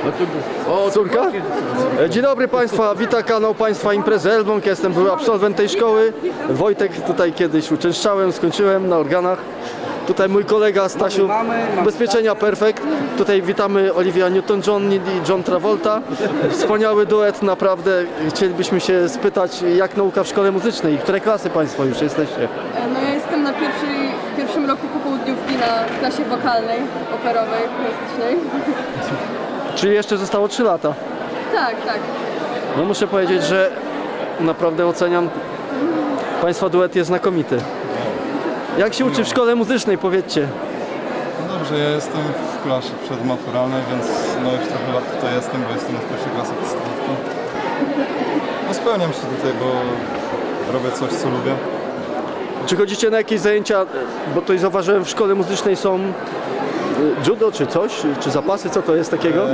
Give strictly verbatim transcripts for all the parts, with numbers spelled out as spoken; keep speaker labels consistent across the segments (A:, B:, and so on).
A: O,
B: Córka? E, Dzień dobry Państwa, wita kanał Państwa Imprezy Elbląg. Ja jestem były absolwent tej szkoły. Wojtek, tutaj kiedyś uczęszczałem, skończyłem na organach. Tutaj mój kolega Stasiu, Ubezpieczenia Perfekt. Tutaj witamy Olivia Newton-John i John Travolta. Wspaniały duet, naprawdę. Chcielibyśmy się spytać, jak nauka w szkole muzycznej? Które klasy Państwo już jesteście?
C: No ja jestem na pierwszej, pierwszym roku popołudniówki na w klasie wokalnej, operowej, klasycznej.
B: Czyli jeszcze zostało trzy lata.
C: Tak, tak.
B: No muszę powiedzieć, że naprawdę oceniam. Państwa duet jest znakomity. Jak się uczy w szkole muzycznej, powiedzcie?
D: No dobrze, ja jestem w klasie przedmaturalnej, więc no już trochę lat tutaj jestem, bo jestem z pierwszej klasy podstawówki. No spełniam się tutaj, bo robię coś, co lubię.
B: Czy chodzicie na jakieś zajęcia, bo tutaj zauważyłem w szkole muzycznej są y, judo czy coś, czy zapasy, co to jest takiego?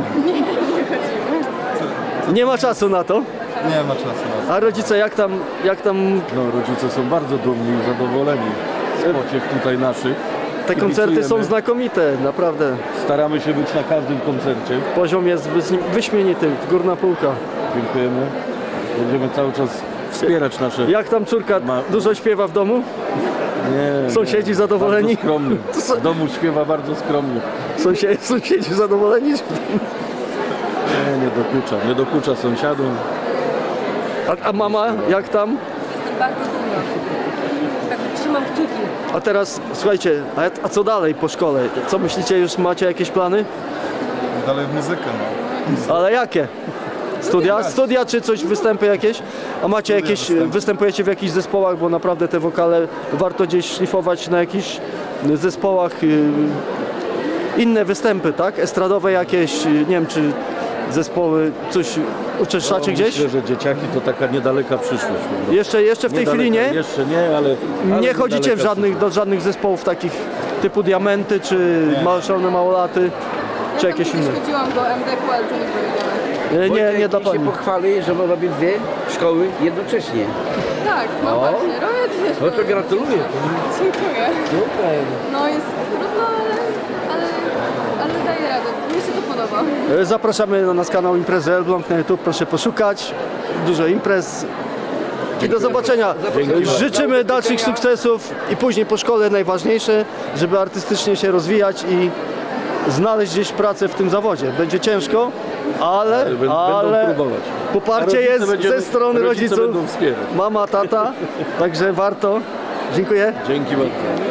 B: Nie ma czasu na to.
D: Nie ma czasu na to.
B: A rodzice jak tam, jak tam
A: No, rodzice są bardzo dumni i zadowoleni z pociech tutaj naszych.
B: te koncerty są
A: Kibicujemy.
B: znakomite, naprawdę.
A: Staramy się być na każdym koncercie.
B: Poziom jest wys- wyśmienity, górna półka.
A: Dziękujemy. Będziemy cały czas wspierać nasze...
B: Jak tam córka
A: Ma-
B: dużo śpiewa w domu?
A: Nie,
B: Sąsiedzi
A: nie.
B: zadowoleni?
A: Bardzo skromny. W domu śpiewa bardzo skromnie.
B: Sąsiedzi, sąsiedzi zadowoleni?
A: Nie, nie dokucza. Nie dokucza sąsiadom.
B: A, a mama jak tam?
C: Jestem bardzo dumna. Tak, trzymam kciuki.
B: A teraz słuchajcie, a, a co dalej po szkole? Co myślicie, już macie jakieś plany?
D: Dalej w muzykę, no.
B: Ale jakie? Studia? Studia czy coś, występy jakieś? A macie jakieś,
D: występy.
B: występujecie w jakichś zespołach, bo naprawdę te wokale warto gdzieś szlifować na jakichś zespołach. y, Inne występy, tak? Estradowe jakieś, y, nie wiem czy zespoły, coś uczęszczacie
A: No,
B: gdzieś?
A: Myślę, że dzieciaki to taka niedaleka przyszłość.
B: Jeszcze, jeszcze w tej chwili nie?
A: Jeszcze nie, ale... ale
B: Nie chodzicie w
A: niedaleka
B: żadnych, do żadnych zespołów takich typu Diamenty, czy Małe Szalone Małolaty, czy
C: Ja
B: jakieś
C: tam
B: inne?
C: kiedyś chodziłam do M D K, ale to nie powiedziałem.
B: Nie, nie, nie dla
E: Wojtek
B: pani.
E: się pochwali, że robi dwie szkoły jednocześnie.
C: Tak, no
E: O.
C: właśnie, robię dwie
E: No to
C: szkoły.
E: gratuluję.
C: Dziękuję.
E: Super.
C: No jest trudno, ale, ale, ale daję radę. Mi się to podoba.
B: Zapraszamy na nasz kanał Imprezy Elbląg na YouTube, proszę poszukać. Dużo imprez. I do zobaczenia. Życzymy dalszych sukcesów i później po szkole najważniejsze, żeby artystycznie się rozwijać i znaleźć gdzieś pracę w tym zawodzie. Będzie ciężko, ale,
A: Będą
B: ale
A: próbować. A
B: poparcie
A: rodzice
B: jest
A: będziemy-
B: ze strony
A: rodzice
B: rodziców.
A: będą wspierać.
B: Mama, tata, także warto. Dziękuję.
A: Dzięki bardzo.